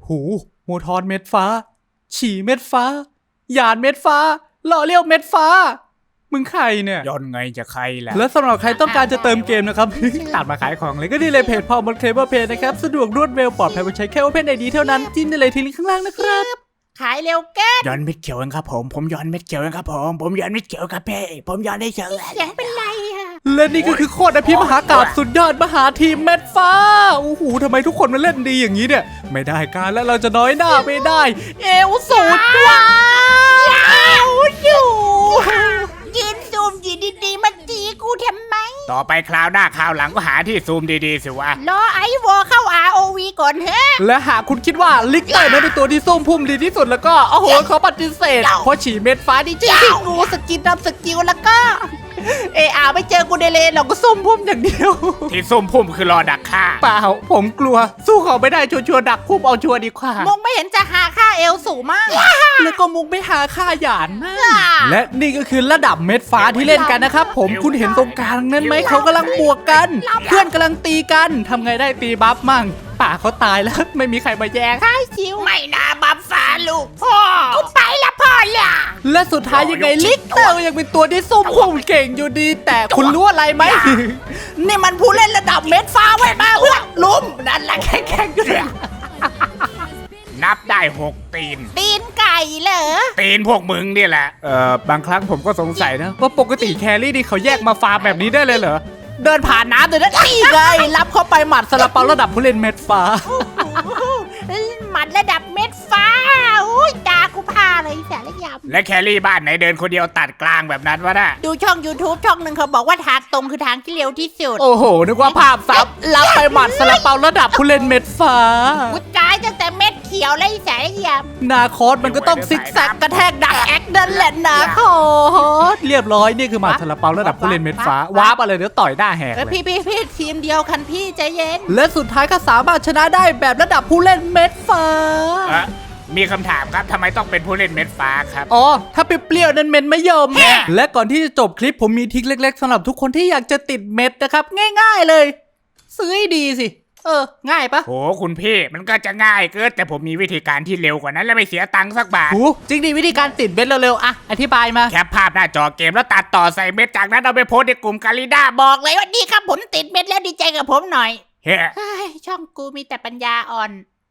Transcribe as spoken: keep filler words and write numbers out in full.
หูโมทอนเม็ดฟ้าฉี่เม็ดฟ้าหยาดเม็ดฟ้าหล่อเลี้ยวเม็ดฟ้ามึงใครเนี่ยย้อนไงจะใครล่ะและสำหรับใครต้องการจะเติมเกมนะครับ ตัดมาขายของเลยก็ดีเลยเพจพอมอนเคเบิลเพจนะครับสะดวกรวดเร็วปลอดภัยใช้แค่ Open ไอ ดี เท่านั้นจิ้มได้เลยที่ลิงก์ข้างล่างนะครับขายเร็วแก้ย้อนเม็ดเขียวเองครับผมผมย้อนเม็ดเขียวเองครับผมผมย้อนเม็ดเขียวครับเพ่ผมย้อนได้เฉยเสียงเป็นไรอะและนี่ก็คือโคตรอภิมหากาพย์สุดยอดมหาทีมเม็ดฟ้าโอ้โหทำไมทุกคนมาเล่นดีอย่างนี้เนี่ยไม่ได้การแล้วเราจะน้อยหน้าไม่ได้เอวสูดว้าวอยู่ยืนซูมอยู่ดีๆมาตีกูทำไมต่อไปคราวหน้าคราวหลังก็หาที่ซูมดีๆสิวะรอไอวอเข้า อาร์ โอ วี ก่อนเฮ้และหากคุณคิดว่าลิกเตอร์นั้นเป็นตัวที่ส้มพุ่มดีที่สุดแล้วก็โอ้โหเขาปฏิเสธเพราะฉี่เม็ดฟ้าดีจริงที่กูสกินดับสกิลแล้วก็เออาไม่เจอกูเดเลเราก็ส้มพุ่มอย่างเดียวที่ส้มพุ่มคือรอดักฆ่าเปล่าผมกลัวสู้เขาไม่ได้ชัวร์ๆดักพุ่มเอาชัวร์ดีกว่ามุกไม่เห็นจะหาค่าเอลสูงมากแล้วก็มุกไม่หาค่าหยาดนะและนี่ก็คือระดับเม็ดฟ้าที่เล่นกันนะครับผมคุณเห็นตรงกลางนั้นไหมเขากำลังบวกกันเพื่อนกำลังตีกันทำไงได้ตีบัฟมั่งป่าเขาตายแล้วไม่มีใครมาแย่งใช่ชิวไม่น่าบัฟฟ้าลูกพ่อกูไปละพ่อละและสุดท้ายยังไงลิกเตอร์ยังเป็นตัวที่ส้มพุ่มเก่งอยู่ดีแต่คุณรู้อะไรไหมนี่มันผู้เล่นระดับเม็ดฟ้าไว้มาเพื่อนลุ้มนั่นแหละแข็งๆอยู่เลยนับได้หกตีนตีนไก่เหรอตีนพวกมึงนี่แหละเอ่อบางครั้งผมก็สงสัยนะว่าปกติแครี่นี่เขาแยกมาฟาร์มแบบนี้ได้เลยเหรอเดินผ่านน้ำเดินนั่นนี่ไงรับเข้าไปหมัดสลับเปาระดับผู้เล่นเม็ดฟ้าหมัดระดับเม็ดฟ้าอุ้ยตากูพาเลยแสละยำและแครี่บ้านไหนเดินคนเดียวตัดกลางแบบนั้นวะน่ะดูช่อง YouTube ช่องหนึ่งเขาบอกว่าทางตรงคือทางที่เร็วที่สุดโอ้โหนึกว่าภาพซับรับไปหมัดสลับเปาระดับผู้เล่นเม็ดฟ้ากูตายตั้งแต่เม็ดเขียวเลยแสละยำนาคอสมันก็ต้องซิกแซกกระแทกดักแอคนั่นแหละนาคอสเรียบร้อยนี่คือหมัดสลับเปาระดับผู้เล่นเม็ดฟ้าวาร์ปอะไรเดี๋ยวต่อยหน้าแหกเลยพี่พี่พี่ทีมเดียวกันพี่ใจเย็นและสุดท้ายก็สามารถชนะได้แบบระดับผู้เล่นเม็ดฟ้ามีคำถามครับทำไมต้องเป็นผู้เล่นเม็ดฟ้าครับอ๋อถ้าเปรี้ยวๆนั้นเม็ดไม่ยอมและก่อนที่จะจบคลิปผมมีทริคเล็กๆสำหรับทุกคนที่อยากจะติดเม็ดนะครับง่ายๆเลยซื้อให้ดีสิเออง่ายปะโหคุณพี่มันก็จะง่ายเกินแต่ผมมีวิธีการที่เร็วกว่านั้นและไม่เสียตังค์สักบาทโหจริงดิวิธีการติดเม็ดเร็วๆอะอธิบายมาแคปภาพหน้าจอเกมแล้วตัดต่อใส่เม็ดจากนั้นเอาไปโพสในกลุ่มกาลิด้าบอกเลยว่าดีครับผมติดเม็ดแล้วดีใจกับผมหน่อยเฮ้ช่องกูมีแต่ปัญญาอ่อน